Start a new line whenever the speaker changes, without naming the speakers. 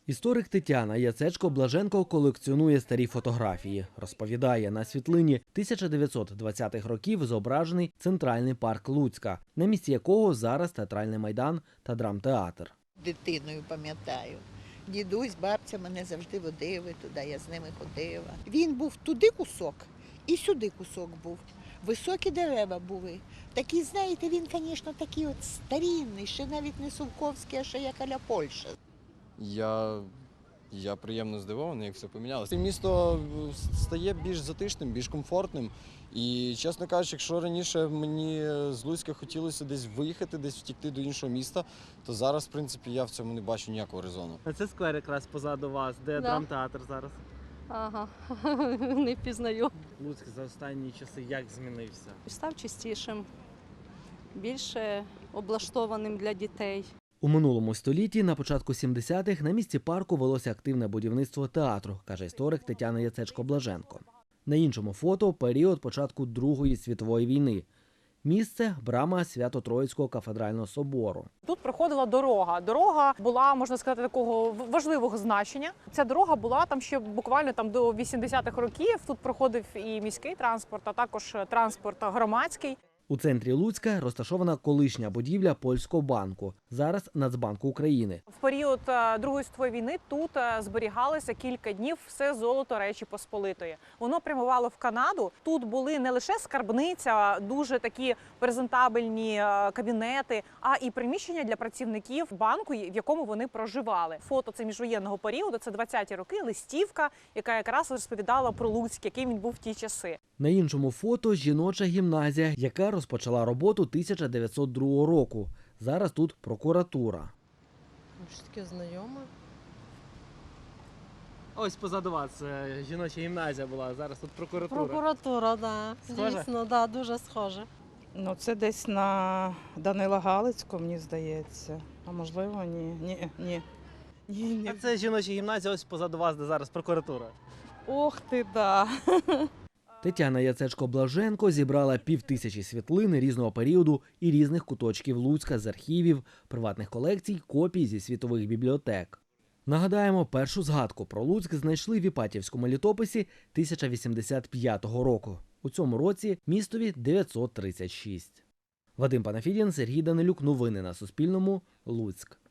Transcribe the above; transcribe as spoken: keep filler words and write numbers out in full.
Історик Тетяна Яцечко-Блаженко колекціонує старі фотографії. Розповідає, на світлині тисяча дев'ятсот двадцятих років зображений Центральний парк Луцька, на місці якого зараз театральний майдан та драмтеатр.
Дитиною пам'ятаю. Дідусь, бабця мене завжди водили туди, я з ними ходила. Він був туди кусок і сюди кусок був. Високі дерева були. Такі, знаєте, він, звісно, такий от старінний, ще навіть не Сувковський, а ще як а-ля Польща.
Я, я приємно здивований, як все помінялося. Місто стає більш затишним, більш комфортним. І, чесно кажучи, якщо раніше мені з Луцька хотілося десь виїхати, десь втікти до іншого міста, то зараз, в принципі, я в цьому не бачу ніякого резону.
Це сквер якраз позаду вас, де
Да.
драмтеатр зараз.
Ага, не впізнаю.
Луцьк за останні часи як змінився?
Став чистішим, більше облаштованим для дітей.
У минулому столітті, на початку сімдесятих, на місці парку велося активне будівництво театру, каже історик Тетяна Яцечко-Блаженко. На іншому фото – період початку Другої світової війни. Місце – брама Свято-Троїцького кафедрального собору.
Тут проходила дорога. Дорога була, можна сказати, такого важливого значення. Ця дорога була там ще буквально там до вісімдесятих років. Тут проходив і міський транспорт, а також транспорт громадський.
У центрі Луцька розташована колишня будівля Польського банку, зараз Нацбанку України.
В період е, Другої світової війни тут е, зберігалося кілька днів все золото Речі Посполитої. Воно прямувало в Канаду. Тут були не лише скарбниця, дуже такі презентабельні е, кабінети, а і приміщення для працівників банку, в якому вони проживали. Фото це міжвоєнного періоду, це двадцяті роки, листівка, яка якраз розповідала про Луцьк, яким він був в ті часи.
На іншому фото – жіноча гімназія, яка розпочала роботу тисяча дев'ятсот другого року. Зараз тут прокуратура.
Щось таке знайоме.
Ось позаду вас е, жіноча гімназія була, зараз тут прокуратура.
Прокуратура, так.
Схоже?
Дійсно, да, дуже схоже.
Ну, це десь на Данила Галицького, мені здається. А можливо, ні. Ні, ні. Ні, ні.
А це жіноча гімназія, ось позаду вас, де зараз прокуратура.
Ох ти, да.
Тетяна Яцечко-Блаженко зібрала півтисячі світлин різного періоду і різних куточків Луцька з архівів, приватних колекцій, копій зі світових бібліотек. Нагадаємо, першу згадку про Луцьк знайшли в Іпатівському літописі тисяча вісімдесят п'ятого року. У цьому році містові дев'ятсот тридцять шість. Вадим Панафідін, Сергій Данилюк. Новини на Суспільному. Луцьк.